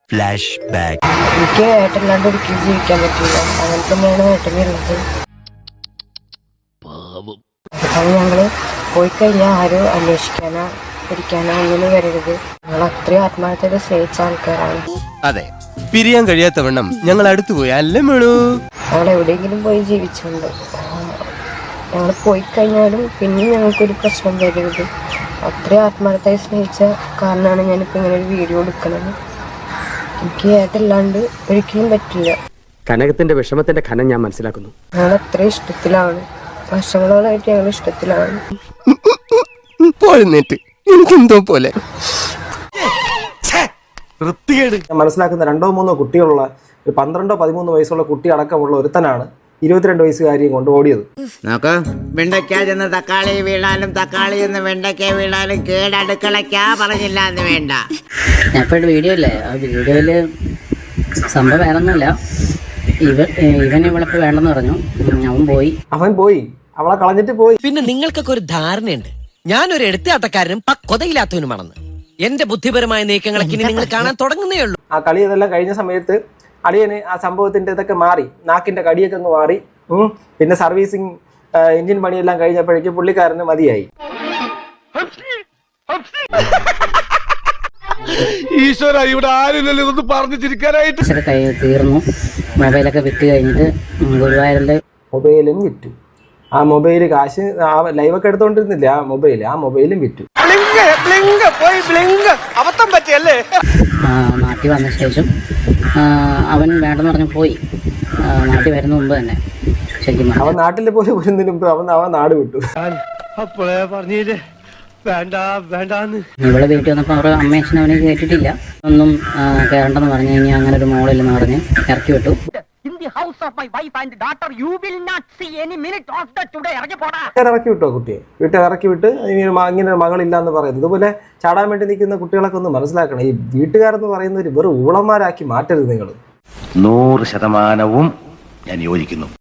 Flash back. എനിക്ക് ഏട്ടല്ലാണ്ട് ഒരിക്കലും ജീവിക്കാൻ പറ്റില്ല. അങ്ങനെ തന്നെയാണ് ഏട്ടനുള്ളത്. അത് ഞങ്ങള് പോയി കഴിഞ്ഞാൽ ആരും അന്വേഷിക്കാനോ പിടിക്കാനോ ഒന്നും വരരുത്. ഞങ്ങൾ അത്രയും ആത്മാർത്ഥത സ്നേഹിച്ച ആൾക്കാരാണ്. അതെ, പിരിയാൻ കഴിയാത്തവണ്ണം ഞങ്ങൾ അടുത്തു പോയി അല്ലേ മേളൂ. ഞങ്ങൾ എവിടെയെങ്കിലും പോയി ജീവിച്ചുണ്ട്. ഞങ്ങൾ പോയി കഴിഞ്ഞാലും പിന്നെയും ഞങ്ങൾക്കൊരു പ്രശ്നം വരരുത്. അത്രയും ആത്മാർത്ഥമായി സ്നേഹിച്ച കാരണമാണ് ഞാനിപ്പോൾ ഇങ്ങനെ ഒരു വീഡിയോ എടുക്കുന്നത്. എനിക്ക് ഏട്ടല്ലാണ്ട് ഒരിക്കലും പറ്റില്ല. കനകത്തിന്റെ വിഷമത്തിന്റെ ഖനം ഞാൻ മനസ്സിലാക്കുന്നു. ഞങ്ങൾ അത്രയും ഇഷ്ടത്തിലാണ്. വർഷങ്ങളോളായിട്ട് ഞങ്ങൾ ഇഷ്ടത്തിലാണ്. പോഴുന്നേറ്റ് എനിക്കെന്തോ പോലെ. മനസ്സിലാക്കുന്ന 2-3 കുട്ടികളുള്ള ഒരു 12-13 വയസ്സുള്ള കുട്ടി അടക്കമുള്ള ഒരുത്തനാണ് 22 വയസ്സുകാരിയും കൊണ്ട് ഓടിയത്. നോക്ക്, വെണ്ടയ്ക്ക ചെന്ന് തക്കാളി വീണാലും തക്കാളി എന്ന് വെണ്ടയ്ക്ക വീണാലും കേടടുക്കളയ്ക്കാ പറഞ്ഞില്ല എന്ന് വേണ്ട. ഞാൻ ഇപ്പോൾ വീഡിയോ ഇല്ലേ, ആ വീഡിയോയില് സംഭവം വേറൊന്നുമില്ല. ഇവൻ ഇവളിപ്പോൾ വേണ്ടെന്ന് പറഞ്ഞു. അവൻ പോയി അവളെ കളഞ്ഞിട്ട് പോയി. പിന്നെ നിങ്ങൾക്കൊക്കെ ഒരു ധാരണയുണ്ട്, ഞാനൊരു എടുത്താട്ടക്കാരനും പക്വതയില്ലാത്തവനുമാണെന്ന്. എന്റെ ബുദ്ധിപരമായ നീക്കങ്ങളൊക്കെ ഇനി നിങ്ങൾ കാണാൻ തുടങ്ങുന്നേ ഉള്ളൂ. ആ കളി ഇതെല്ലാം കഴിഞ്ഞ സമയത്ത് അളിയന് ആ സംഭവത്തിന്റെ ഇതൊക്കെ മാറി, നാക്കിന്റെ കടിയൊക്കെ അങ്ങ് മാറി. പിന്നെ സർവീസിങ് എഞ്ചിൻ പണിയെല്ലാം കഴിഞ്ഞപ്പോഴേക്കും പുള്ളിക്കാരന് മതിയായി. ഈശ്വര, ഇവിടെ ആരുമില്ലല്ലോ ഇതൊന്ന് പറഞ്ഞു ചിരിക്കാനായിട്ട്. തീർന്നു. മൊബൈലൊക്കെ വിറ്റ് കഴിഞ്ഞിട്ട് ഗുരുവായൂരിന്റെ മൊബൈലും വിറ്റു. ആ മൊബൈല് കാശ് ആ ലൈവൊക്കെ എടുത്തോണ്ടിരുന്നില്ല, ആ മൊബൈലും വിറ്റു. നാട്ടിൽ വന്ന ശേഷം അവൻ വേണ്ടെന്ന് പറഞ്ഞു പോയി. നാട്ടിൽ വരുന്ന മുമ്പ് തന്നെ ശരിക്കും അവൻ നാട്ടിൽ പോയി വരുന്നതിന് മുമ്പ് അവൻ നാട് വിട്ടു. ഇവിടെ വീട്ടിൽ വന്നപ്പോൾ അവരുടെ അമ്മയച്ഛനും അവനെ കേട്ടിട്ടില്ല. ഒന്നും കയറണ്ടെന്ന് പറഞ്ഞു കഴിഞ്ഞാൽ അങ്ങനെ ഒരു മോളില്ലെന്ന് പറഞ്ഞ് ഇറക്കി വിട്ടു. ഇറക്കി വിട്ടോ കുട്ടിയെ, ഇറക്കി വിട്ട് ഇങ്ങനെ മകളില്ല എന്ന് പറയുന്നത്. ഇതുപോലെ ചാടാൻ വേണ്ടി നിൽക്കുന്ന കുട്ടികളൊക്കെ ഒന്ന് മനസ്സിലാക്കണം. ഈ വീട്ടുകാരെന്ന് പറയുന്നവർ വെറും ഊളന്മാരാക്കി മാറ്റരുത് നിങ്ങൾ. 100% ഞാൻ യോജിക്കുന്നു.